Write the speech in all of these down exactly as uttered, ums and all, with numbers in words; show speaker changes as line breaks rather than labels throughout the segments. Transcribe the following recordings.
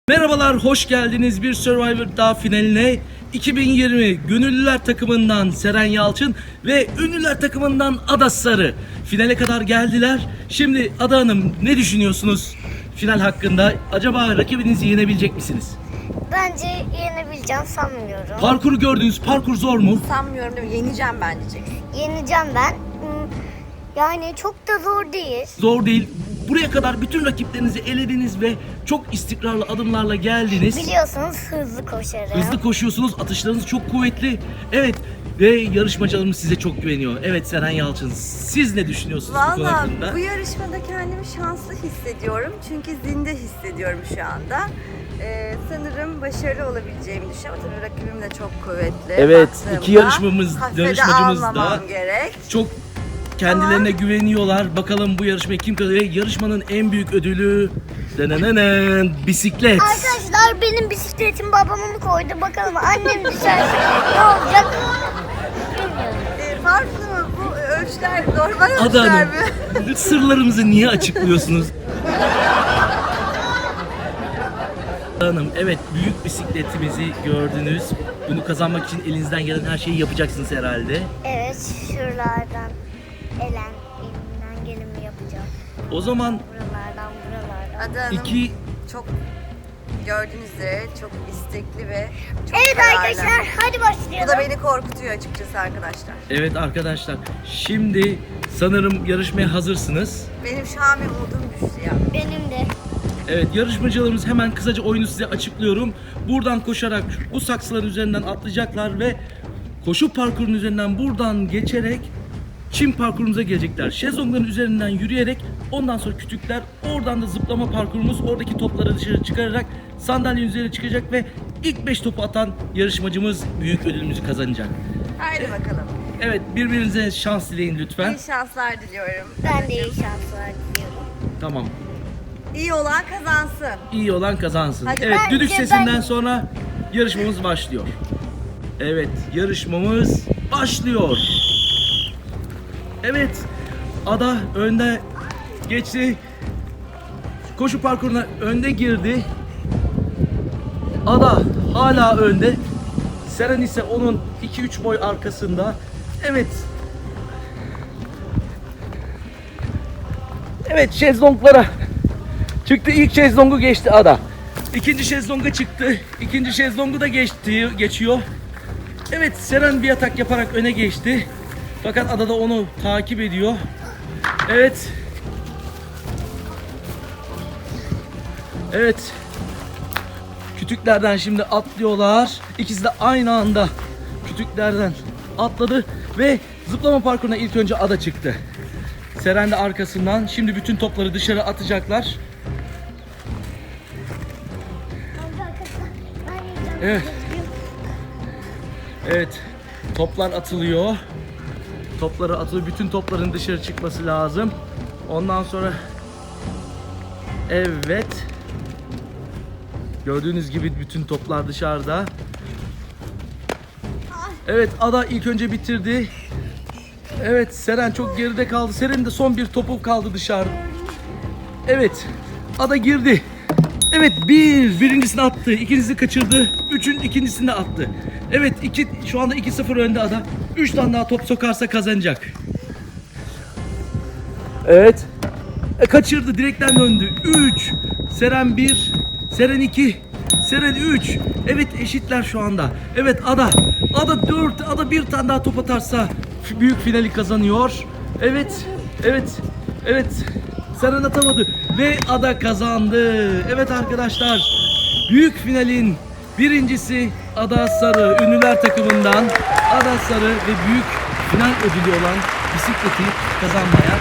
Merhabalar, hoş geldiniz bir Survivor daha finaline. iki bin yirmi Gönüllüler takımından Seren Yalçın ve Ünlüler takımından Ada Sarı finale kadar geldiler. Şimdi Ada Hanım, ne düşünüyorsunuz final hakkında? Acaba rakibinizi yenebilecek misiniz?
Bence yenebileceğim sanmıyorum.
Parkuru gördünüz, parkur zor mu?
Sanmıyorum değil mi? Yeneceğim ben diyeceksin.
Yeneceğim ben. Hmm, Yani çok da zor değil.
Zor değil. Buraya kadar bütün rakiplerinizi elediniz ve çok istikrarlı adımlarla geldiniz.
Biliyorsunuz hızlı koşarım.
Hızlı koşuyorsunuz, atışlarınız çok kuvvetli. Evet, ve yarışmacılarımız size çok güveniyor. Evet Seren Yalçın, siz ne düşünüyorsunuz bu konu
Valla
hakkında?
bu yarışmada kendimi şanslı hissediyorum. Çünkü zinde hissediyorum şu anda. Ee, sanırım başarılı olabileceğimi düşünüyorum. Tabii rakibim de çok kuvvetli.
Evet,
Baktığımda
iki yarışmamız-
hafife de
yarışmacımız da-
almamam gerek.
Çok kendilerine güveniyorlar. Bakalım bu yarışmayı kim kazanacak? Ve yarışmanın en büyük ödülü denenenen bisiklet.
Arkadaşlar benim bisikletim babam onu koydu. Bakalım annem düşerse ne olacak? Bilmiyorum.
Ee, farklı mı? Bu ölçüler normal
Ada
ölçüler
Hanım,
mi?
sırlarımızı niye açıklıyorsunuz? Ada Hanım, evet, büyük bisikletimizi gördünüz. Bunu kazanmak için elinizden gelen her şeyi yapacaksınız herhalde.
Evet, şuralardan elen elimden geleni yapacağım.
O zaman
Buralardan buralardan.
Ada Hanım
iki
çok gördüğünüz üzere çok istekli ve çok
Evet
kararlı.
arkadaşlar hadi
Bu
başlayalım.
da beni korkutuyor açıkçası arkadaşlar.
evet arkadaşlar, şimdi sanırım yarışmaya hazırsınız.
Benim şu an bir umudum düştü ya.
Benim de.
Evet, yarışmacılarımız, hemen kısaca oyunu size açıklıyorum. Buradan koşarak bu saksıların üzerinden atlayacaklar ve koşu parkurunun üzerinden buradan geçerek çim parkurumuza gelecekler. Şezlongların üzerinden yürüyerek ondan sonra kütükler, oradan da zıplama parkurumuz, oradaki topları dışarı çıkararak sandalyenin üzerine çıkacak ve ilk beş topu atan yarışmacımız büyük ödülümüzü kazanacak.
Haydi bakalım.
Evet, birbirinize şans dileyin lütfen.
İyi şanslar diliyorum.
Ben de iyi şanslar diliyorum.
Tamam.
İyi olan kazansın.
İyi olan kazansın.
Hadi.
Evet,
Bence
düdük
ben-
sesinden sonra yarışmamız başlıyor. Evet, yarışmamız başlıyor. Evet, Ada önde geçti. Koşu parkuruna önde girdi. Ada hala önde. Seren ise onun iki üç boy arkasında. Evet. Evet, şezlonglara çıktı. İlk şezlongu geçti Ada. İkinci şezlonga çıktı. İkinci şezlongu da geçti, geçiyor. Evet, Seren bir atak yaparak öne geçti. Fakat Ada da onu takip ediyor. Evet. Evet. Kütüklerden şimdi atlıyorlar. İkisi de aynı anda kütüklerden atladı ve zıplama parkuruna ilk önce Ada çıktı. Seren de arkasından. Şimdi bütün topları dışarı atacaklar. Evet. Evet. Toplar atılıyor. Topları atılıyor. Bütün topların dışarı çıkması lazım. Ondan sonra evet. Gördüğünüz gibi bütün toplar dışarıda. Evet, Ada ilk önce bitirdi. Evet, Seren çok geride kaldı. Seren'in de son bir topu kaldı dışarı. Evet, Ada girdi. Evet, bir birincisini attı, ikincisini kaçırdı, üçün ikincisini de attı. Evet, iki şu anda iki sıfır önde Ada. Üç tane daha top sokarsa kazanacak. Evet. E, kaçırdı, direkten döndü. Üç. Seren bir. Seren iki. Seren üç. Evet, eşitler şu anda. Evet, Ada. Ada dört. Ada bir tane daha top atarsa f- büyük finali kazanıyor. Evet. Evet. Evet. Seren atamadı ve Ada kazandı. Evet arkadaşlar, büyük finalin birincisi Ada Sarı, Ünlüler takımından Ada Sarı ve büyük final ödülü olan bisikleti kazanmaya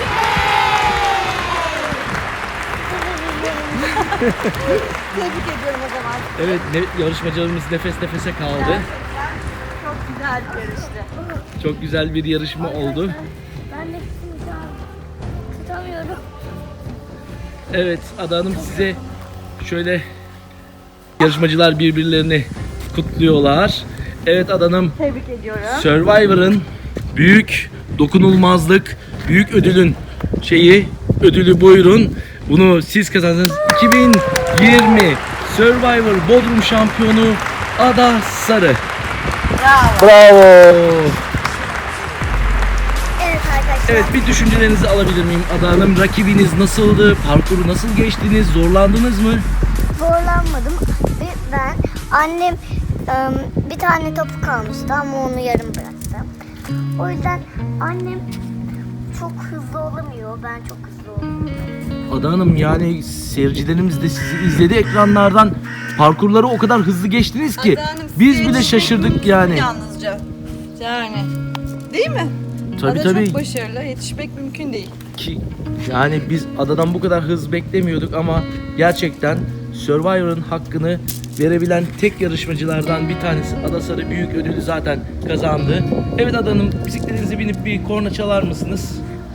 Tebrik ediyorum o zaman.
evet, ne, yarışmacılarımız nefes nefese kaldı.
Gerçekten çok güzel bir yarıştı.
Çok güzel bir yarışma oldu.
Ben de tutamıyorum.
Evet, Ada Hanım, size şöyle yarışmacılar birbirlerini kutluyorlar. Evet Ada Hanım,
Tebrik ediyorum.
Survivor'ın büyük dokunulmazlık, büyük ödülün şeyi, ödülü buyurun. Bunu siz kazandınız. iki bin yirmi Survivor Bodrum şampiyonu Ada Sarı.
Bravo.
Bravo.
Evet arkadaşlar.
Evet, bir düşüncelerinizi alabilir miyim Ada Hanım? Rakibiniz nasıldı? Parkuru nasıl geçtiniz? Zorlandınız mı?
Zorlanmadım. Ve ben annem ım, bir tane topu kalmıştı ama onu yarım bıraktım. O yüzden annem çok hızlı olamıyor. Ben çok hızlı olamıyorum.
Ada Hanım, yani seyircilerimiz de sizi izledi ekranlardan. Parkurları o kadar hızlı geçtiniz ki
Ada Hanım,
biz
size
bile
yetişmek
şaşırdık
mümkün
yani.
Yalnızca. Yani. Değil mi?
Tabii
Ada
tabii.
çok başarılı. Yetişmek mümkün değil.
Ki yani biz Ada'dan bu kadar hız beklemiyorduk ama gerçekten Survivor'ın hakkını verebilen tek yarışmacılardan bir tanesi. Ada Sarı büyük ödülü zaten kazandı. Evet Ada Hanım, bisikletinize binip bir korna çalar mısınız?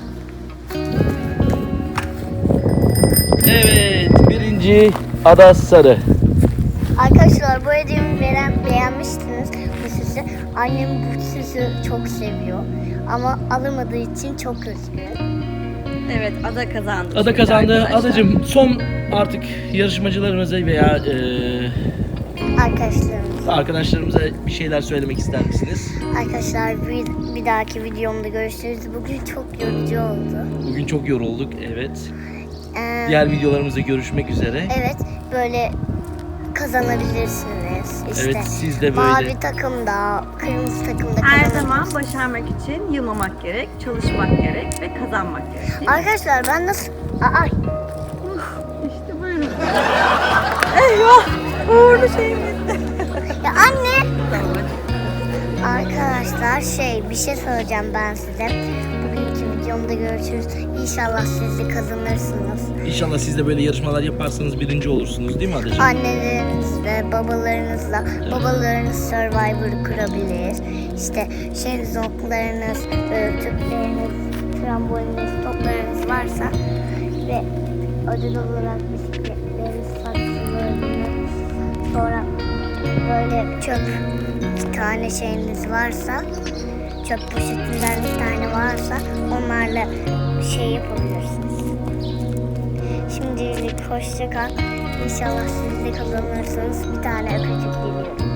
Evet, birinci Ada Sarı.
Arkadaşlar bu hediyemi veren beğenmiştiniz bu süsü. Annem bu süsü çok seviyor. Ama alamadığı için çok üzgün.
Evet, Ada kazandı.
Ada
çünkü
kazandı.
arkadaşlar.
Adacığım, son artık yarışmacılarımıza veya eee,
Arkadaşlarımız.
arkadaşlarımıza bir şeyler söylemek ister misiniz?
Arkadaşlar bir, bir dahaki videomda görüşürüz. Bugün çok yorucu oldu.
Bugün çok yorulduk, evet.
Ee,
Diğer videolarımızda görüşmek üzere.
evet böyle kazanabilirsiniz. İşte
Evet, siz de böyle.
mavi takımda, kırmızı takımda
Her
kazanabilirsiniz.
zaman başarmak için yılmamak gerek, çalışmak gerek ve kazanmak gerek. Değil mi?
Arkadaşlar ben nasıl... Aa,
İşte buyurun. Eyvah! Uğurlu şeyim gitti.
ya anne!
Tamam hadi.
Arkadaşlar şey bir şey söyleyeceğim ben size. Bugünkü videomda görüşürüz. İnşallah siz de kazanırsınız.
İnşallah siz de böyle yarışmalar yaparsanız birinci olursunuz, değil mi Adacığım?
Annelerinizle, babalarınızla, babalarınız Survivor kurabilir. İşte şezlonglarınız, e, tüpleriniz, tramboliniz, toplarınız varsa ve ödül olarak bisikletleriniz, saksılarınız, sonra böyle çöp iki tane şeyiniz varsa, çöp poşetinden bir tane varsa onlarla şey yapabilirsiniz. Şimdilik hoşça kal. İnşallah siz de kazanırsınız. Bir tane öpücük diliyorum.